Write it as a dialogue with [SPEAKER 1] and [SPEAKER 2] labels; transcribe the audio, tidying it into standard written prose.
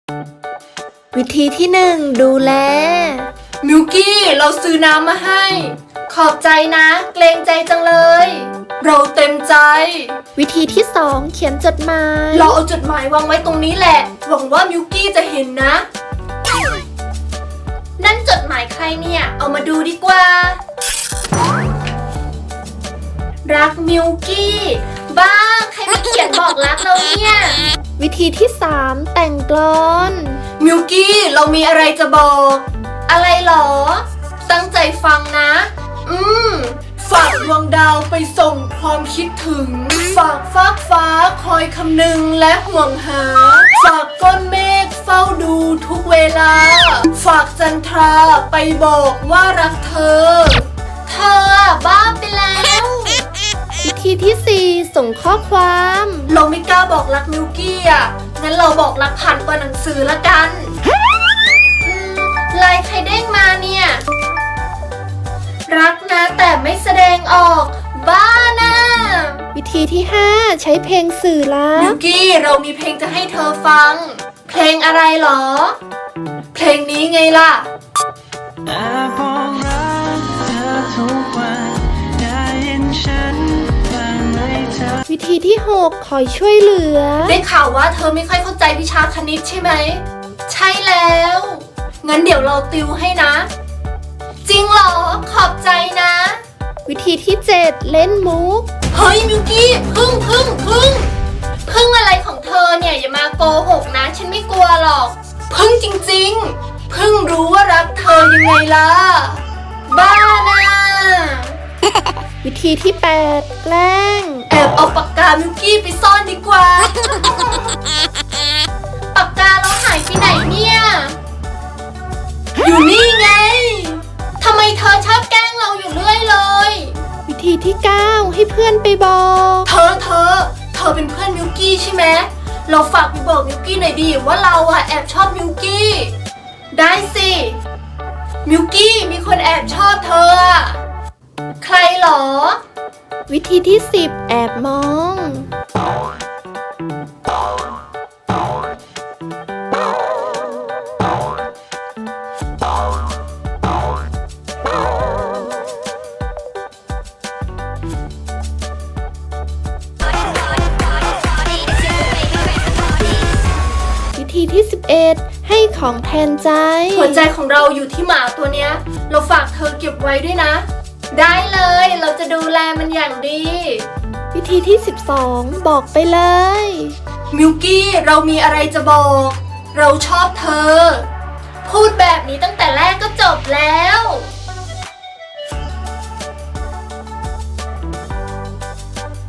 [SPEAKER 1] วิธีที่1ดูแล
[SPEAKER 2] มิวกี้เราซื้อน้ำมาให้ขอบใจนะเกรงใจจังเลย เราเต็มใจ
[SPEAKER 1] วิธีที่2เขียนจดหมาย
[SPEAKER 2] เราเอาจดหมายวางไว้ตรงนี้แหละหวังว่ามิวกี้จะเห็นนะนั่นจดหมายใครเนี่ยเอามาดูดีกว่ารักมิวกี้บ้าใครมาเขียนบอกรักเราเนี่ย
[SPEAKER 1] วิธีที่3แต่งกลอน
[SPEAKER 2] มิวกี้เรามีอะไรจะบอกอะไรหรอตั้งใจฟังนะฝากดวงดาวไปส่งความคิดถึงฝากฟากฟ้าคอยคำนึงและห่วงหาฝากก้อนเมฆเฝ้าดูทุกเวลาฝากจันทราไปบอกว่ารักเธอบ้าไปแล้ว
[SPEAKER 1] วิธีที่4ส่งข้อความ
[SPEAKER 2] เราไม่กล้าบอกรักมิวกี้อ่ะงั้นเราบอกรักผ่านตัวหนังสือละกันไลน์ใครเด้งมาเนี่ยรักนะแต่ไม่แสดงออกบ้านะ
[SPEAKER 1] วิธีที่5ใช้เพลงสื่อรัก
[SPEAKER 2] มิวกี้เรามีเพลงจะให้เธอฟังเพลงอะไรหรอเพลงนี้ไงล่ะ
[SPEAKER 1] วิธีที่6คอยช่วยเหลือ
[SPEAKER 2] ได้ข่าวว่าเธอไม่ค่อยเข้าใจวิชาคณิตใช่ไหมใช่แล้วงั้นเดี๋ยวเราติวให้นะจริงเหรอขอบใจนะ
[SPEAKER 1] วิธีที่7เล่นมุก
[SPEAKER 2] เฮ้ยมิวกี้พึ่งอะไรของเธอเนี่ยอย่ามาโกหกนะฉันไม่กลัวหรอกพึ่งจริงๆพึ่งรู้ว่ารักเธอยังไงล่ะบ้านะ
[SPEAKER 1] วิธีที่8แกล้ง
[SPEAKER 2] แอบเอาปากกามิวกี้ไปซ่อนดีกว่าปากกาเราหายไปไหนเนี่ยอยู่นี่ไงทำไมเธอชอบแกล้งเราอยู่เรื่อยเลย
[SPEAKER 1] วิธีที่9ให้เพื่อนไปบอก
[SPEAKER 2] เธอเป็นเพื่อนมิวกี้ใช่ไหมเราฝากไปบอกมิวกี้หน่อยดีว่าเราอะแอบชอบมิวกี้ได้สิมิวกี้มีคนแอบชอบเธอใครหรอ
[SPEAKER 1] วิธีที่10แอบมองวิธีที่11ให้ของแทนใจ
[SPEAKER 2] หัวใจของเราอยู่ที่หมาตัวเนี้ยเราฝากเธอเก็บไว้ด้วยนะได้เลยเราจะดูแลมันอย่างดี
[SPEAKER 1] วิธีที่12บอกไปเลย
[SPEAKER 2] มิวกี้เรามีอะไรจะบอกเราชอบเธอพูดแบบนี้ตั้งแต่แรกก็จบแล้ว